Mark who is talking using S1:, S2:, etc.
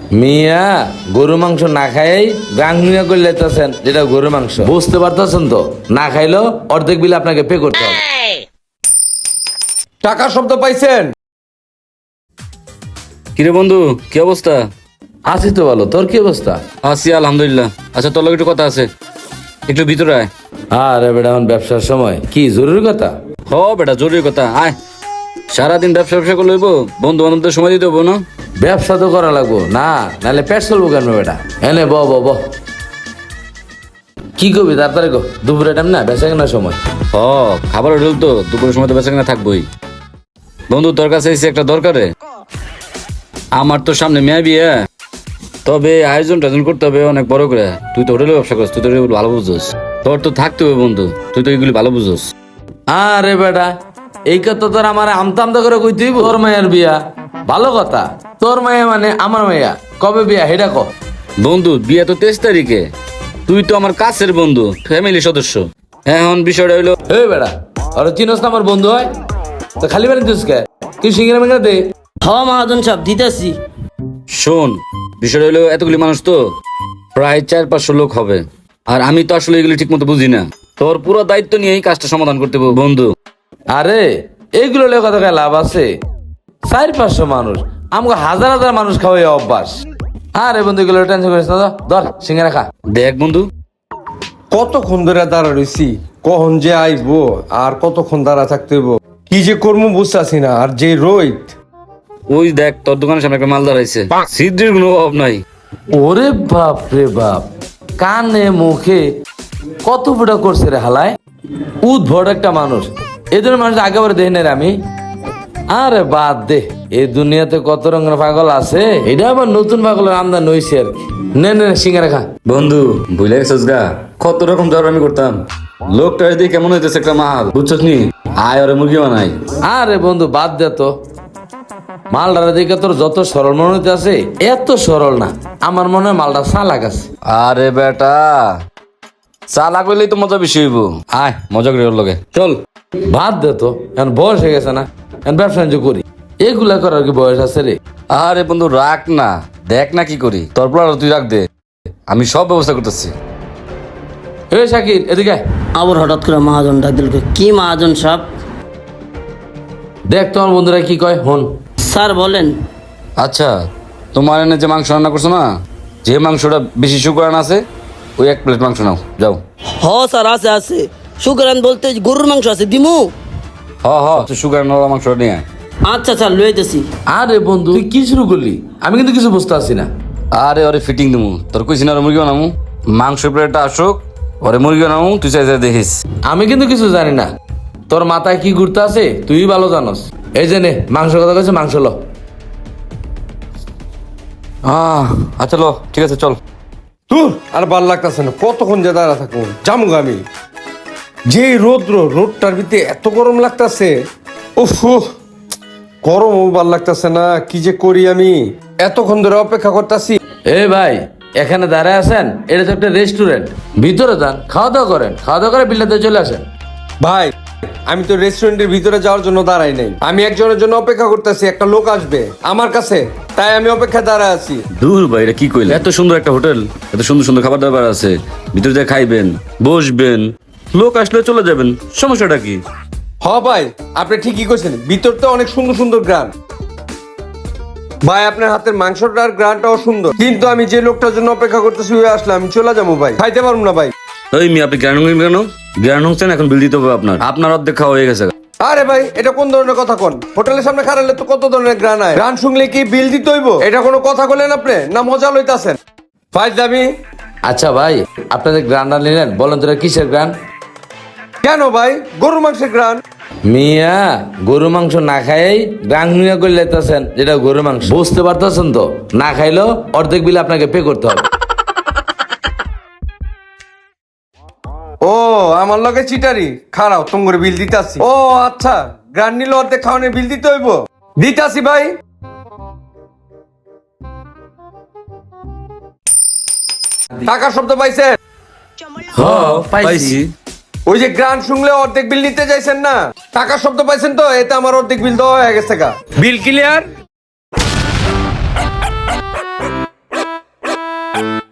S1: মিয়া গরু মাংস না খাই গাংমিয়া করে লেতেছেন, যেটা গরু মাংস বুঝতে পারতেছেন তো? না খাইলেও অর্ধেক বিল আপনাকে পে করতে হবে।
S2: টাকা শব্দ পাইছেন?
S3: কিরে বন্ধু, কি অবস্থা?
S1: আছি তো ভালো, তোর কি অবস্থা?
S3: আছি আলহামদুলিল্লাহ। আচ্ছা, তোর লগে একটু কথা আছে, একটু ভিতরে আয়।
S1: আরে বেটা, এখন ব্যবসার সময় কি জরুরি কথা?
S3: হ বেটা, জরুরি কথা, আয়। সারাদিন ব্যবসা ব্যবসা করে লইব, বন্ধু বান্ধবদের সময় দিতে হবো না?
S1: ব্যবসা তো করা লাগবো না, নাহলে পেট চলবো কেন বেটা? এনে ব ব ব কি করবি তাড়াতাড়ি গো, দুপুরে টাইম না, বেচা কেনার সময়।
S3: হ, খাবার হোটেল তো, দুপুরের সময় তো বেচা কেনা থাকবোই। বন্ধু, তোর কাছে এসে একটা দরকারে। আমার তো সামনে মেয়ে বিয়ে, তবে আয়োজন টায়োজন করতে হবে অনেক বড় করে। তুই তো হোটেলে ব্যবসা করিস, তুই তো এগুলো ভালো বুঝোস। তোর তো থাকতে হবে বন্ধু, তুই তো এগুলি ভালো বুঝোস।
S1: আরে বেটা, এই কথা তোর আমার আমতা আমতা করে কই তুই? তোর মায়ের বিয়া ভালো কথা, তোর মায়া মানে আমার মায়া, কবে বিয়া হেডা ক?
S3: বন্ধু, বিয়ে তো 23 তারিখে। তুই তো আমার কাছের বন্ধু, ফ্যামিলি সদস্য। এখন বিষয়টা হইলো,
S1: এই বেটা, ওরা চিনস না আমার বন্ধু হয় তো খালি বানি দিস কে? কি সিঙ্গেরা মেঙ্গেরা দে।
S4: মহাজন সাহেব দিতেছি।
S3: শোন, বিষয়টা হইলো এতগুলি মানুষ তো, প্রায় 400-500 লোক হবে। আর আমি তো আসলে এগুলি ঠিক মতো বুঝি না। তোর পুরো দায়িত্ব নিয়ে এই কাজটা সমাধান করতে হবে বন্ধু।
S1: আরে এইগুলো লেগে কথা কয়ে লাভ আছে? 400-500 মানুষ, আমাকে হাজার হাজার মানুষ খাওয়াই অভ্যাস। আরে বন্ধু, এগুলো টেনশন করিস না তো, ধর সিঙ্গেরা খা।
S3: দেখ বন্ধু,
S2: কতক্ষণ ধরে দাঁড়া রইছি, কখন যে আইবো আর কতক্ষণ দাঁড়া থাকতে হইব, কি যে করবো বুঝতেছি না। আর যে রোহিত,
S3: ওই দেখ তোর দোকানের সামনে একটা মাল দাঁড়াইছে, সিদ্ধির কোনো অভাব নাই।
S1: ওরে বাপ রে বাপ, কানে মুখে কত ফুটা করছে রে হালায়, উদ্ভট একটা মানুষ। এই ধরনের মানুষ আগেবারে দেখি না রে আমি। আরে বাদ দে, এই দুনিয়াতে কত রঙের পাগল আছে, এটা আবার নতুন পাগলের আমদানি হয়েছে আর কি। নে নে সিঙ্গারা খা।
S3: বন্ধু, ভুলে গেছিস গা, কত রকম জ্বর আমি করতাম। লোকটা দিয়ে কেমন হইতেছে একটা মাল, বুঝছস নি? আয় ওরে মুরগি বানাই।
S1: আরে বন্ধু বাদ দে তো, মালটার দিকে তোর যত সরল মনে হইতে আছে, এত সরল না। আমার মনে হয় মালটা চালাক আছে।
S3: আরে বেটা, চালাক হইলেই তো মজা বেশি হইব। আয় মজা করি ওর লগে, চল।
S1: বাদ দে তো, এখন বয়স হয়ে গেছে না, এখন ব্যবসা বাণিজ্য করি। এগুলা করার কি বয়স আছে রে?
S3: আরে বন্ধু রাখ না, দেখ না কি করি। তোর প্লান তুই রাখ দে, আমি সব ব্যবস্থা করতেছি।
S1: এ শাকির, এদিকে আয়।
S4: আবার হঠাৎ করে মহাজন ডাক দিল, কি মহাজন সাহেব?
S1: দেখ তোমার বন্ধুরা কি কয়, হন।
S4: স্যার বলেন।
S3: আচ্ছা, তোমার এনে যে মাংস রান্না করছো না, যে মাংসটা বেশি শুকরান আছে, ওই 1 প্লেট মাংস নাও, যাও।
S4: স্যার আছে আছে, সুকরান বলতে গরুর মাংস আছে, দিমু।
S3: হ শুকরান মাংসটা নিয়ে আয়।
S4: আচ্ছা স্যার লইতেছি।
S1: আরে বন্ধু, তুই কি শুরু করলি? আমি কিন্তু কিছু বুঝতে পারছি না।
S3: আরে ওরে ফিটিং দিমু, তোর কইছি না ওরে মুরগি বানামু। মাংস প্লেটটা আসুক, ওরে মুরগি বানামু, তুই চাই দেখিস।
S1: আমি কিন্তু কিছু জানি না, তোর মাথায় কি ঘুরতে আছে তুই ভালো জানস। এই যে নে, মাংস কথা কইছে, মাংস ল।
S3: আচ্ছা লো, ঠিক আছে চল।
S2: তুই আর ভাল লাগতেছে না, কতক্ষণ যে দাঁড়া থাকবো, জামুক আমি। যে রোদটার ভিতরে এত গরম লাগতেছে, উফ, গরমও ভাল লাগতেছে না। কি যে করি আমি, এতক্ষণ ধরে অপেক্ষা করতেছি।
S1: এ ভাই, এখানে দাঁড়ায় আছেন, এটা তো একটা রেস্টুরেন্ট, ভিতরে যান, খাওয়া দাওয়া করেন, খাওয়া দাওয়া করে বিল্লাতে চলে আসেন।
S2: ভাই, আমি তো রেস্টুরেন্টের ভিতরে যাওয়ার জন্য দাঁড়াই নাই, আমি একজনের জন্য অপেক্ষা করতেছি, একটা লোক আসবে আমার কাছে, তাই আমি অপেক্ষা দাঁড়ায় আছি।
S3: দূর ভাই, এটা কি কইলে? এত সুন্দর একটা হোটেল, এত সুন্দর সুন্দর খাবার দাবার আছে, ভিতরে যা খাইবেন, বসবেন, লোক আসলে চলে যাবেন, সমস্যাটা কি?
S2: ভাই, আপনি ঠিকই কইছেন, ভিতরতে অনেক সুন্দর সুন্দর গ্রান। ভাই, আপনার হাতের মাংসটার গ্রানটাও সুন্দর, কিন্তু আমি যে লোকটার জন্য অপেক্ষা করতেছি ওই আসলে আমি চলে যাবো ভাই, খাইতে পারবো না ভাই।
S3: ওই মি, আপনি জ্ঞান কেন? জ্ঞান হচ্ছেন, এখন বিল দিতে হবে আপনার অর্ধেক খাওয়া হয়ে গেছে।
S2: আরে ভাই, এটা কোন ধরনের কথা কোন? হোটেলের সামনে খারালে তো কত ধরনের গ্রান হয়, গ্রান শুনলে কি বিল দিতে হইব? এটা কোনো কথা বলেন আপনি, না মজা লইতাছেন? ভাই দামি।
S1: আচ্ছা ভাই, আপনাদের গ্রানটা নিলেন, বলেন তোরা কিসের গ্রান?
S2: কেন ভাই, গরুর মাংসের গ্রান।
S1: মিয়া গরু মাংস না খাই গাংমিয়া করে লেতেছেন, যেটা গরু মাংস বুঝতে পারতেছেন তো? না খাইলেও অর্ধেক বিল আপনাকে পে করতে হবে।
S2: ও, আমার লগে চিটারি, খারাও তোমার বিল দিতাছি। ও আচ্ছা, গ্রান নিলে অর্ধেক খাওয়ানোর বিল দিতে হইব, দিতাছি ভাই। টাকা শব্দ পাইছেন?
S1: হ্যাঁ পাইছি।
S2: ওই যে গ্রান শুনলে অর্ধেক বিল নিতে চাইছেন না, টাকা শব্দ পাইছেন তো? এতে আমার অর্ধেক বিল দেওয়া হয়ে গেছে। Bill clear?
S5: Ha